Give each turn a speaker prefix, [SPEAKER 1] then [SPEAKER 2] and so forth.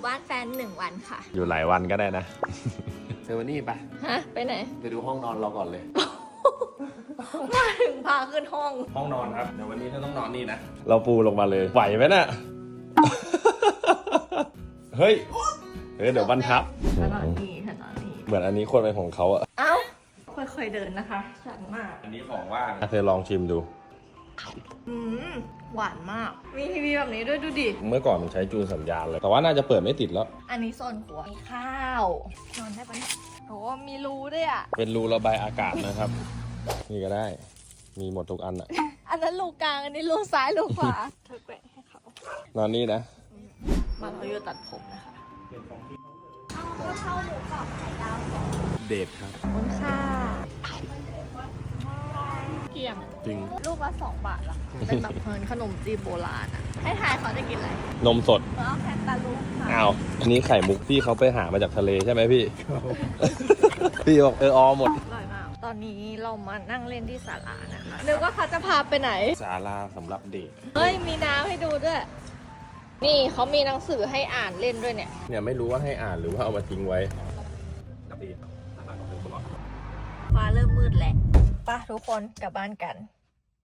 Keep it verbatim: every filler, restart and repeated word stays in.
[SPEAKER 1] บ้านแฟนหนึ่งวันค่ะ
[SPEAKER 2] อยู่หลายวันก็ได้นะ เซอร์วานี่ปะ
[SPEAKER 1] ฮะ ไปไหน
[SPEAKER 2] ไปดูห้องนอนเราก่อนเลย
[SPEAKER 1] มาถึงพาขึ้นห้อง
[SPEAKER 2] ห้องนอนครับเดี๋ยววันนี้เราต้องนอนนี่นะ เราปูลงมาเลย ไหวไหมน่ะ เฮ้ย เฮ้ย เดี๋ยวบันทับ
[SPEAKER 1] ถนนนี้ถนนนี้
[SPEAKER 2] เหมือนอันนี้ควรเป็นของเขาอะ
[SPEAKER 1] เอ้า ค่อยๆเดินนะคะชันมาก
[SPEAKER 2] อันนี้ของว่างเธอลองชิมดู
[SPEAKER 1] อืม หวานมาก มีทีวีแบบนี้ด้วยดูดิ
[SPEAKER 2] เมื่อก่อนมันใช้จูนสัญญาณเลย แต่ว่าน่าจะเปิดไม่ติดแล้ว
[SPEAKER 1] อันนี้โซนครัว มีข้าว นอนได้ปะเนี่ยโหมีรูด้วยอ่ะ
[SPEAKER 2] เป็นรูระบายอากาศนะครับ นี่ก็ได้ มีหมดทุกอันอะ
[SPEAKER 1] อันนั้นรูกลาง อันนี้รูซ้ายรูขวา เธอแกว่งให้เขา
[SPEAKER 2] นอนนี่นะ
[SPEAKER 1] มาเราอยู่ตัดผมนะคะเอาข้าวหมูกรอบไข่ดาว
[SPEAKER 2] เดทครับ
[SPEAKER 1] ขอบคุณค่ะเกี่ยง
[SPEAKER 2] จริง
[SPEAKER 1] ลูกละสองบาทละเป็นแบบเพลินขนมจีบโบราณอ่ะ ให้ทายเขาจะกินอะไร
[SPEAKER 2] นมสด
[SPEAKER 1] แล้วแคนตาลูปค่ะ
[SPEAKER 2] อ้าว อันนี้ไข่มุกที่เขาไปหามาจากทะเลใช่ไหมพี่ พี่บอกเออออหมด
[SPEAKER 1] อร่อยมาก ตอนนี้เรามานั่งเล่นที่ศาลานะคะนึกว่าเขาจะพาไปไหน
[SPEAKER 2] ศาลาสำหรับเด็ก
[SPEAKER 1] เฮ้ย มีน้ำให้ดูด้วย นี่เขามีหนังสือให้อ่านเล่นด้วยเนี่ย
[SPEAKER 2] เนี่ยไม่รู้ว่าให้อ่านหรือว่าเอามาทิ้งไว้
[SPEAKER 1] ฟ้าเริ่มมืดแหละป่ะทุกคนกลับบ้านกัน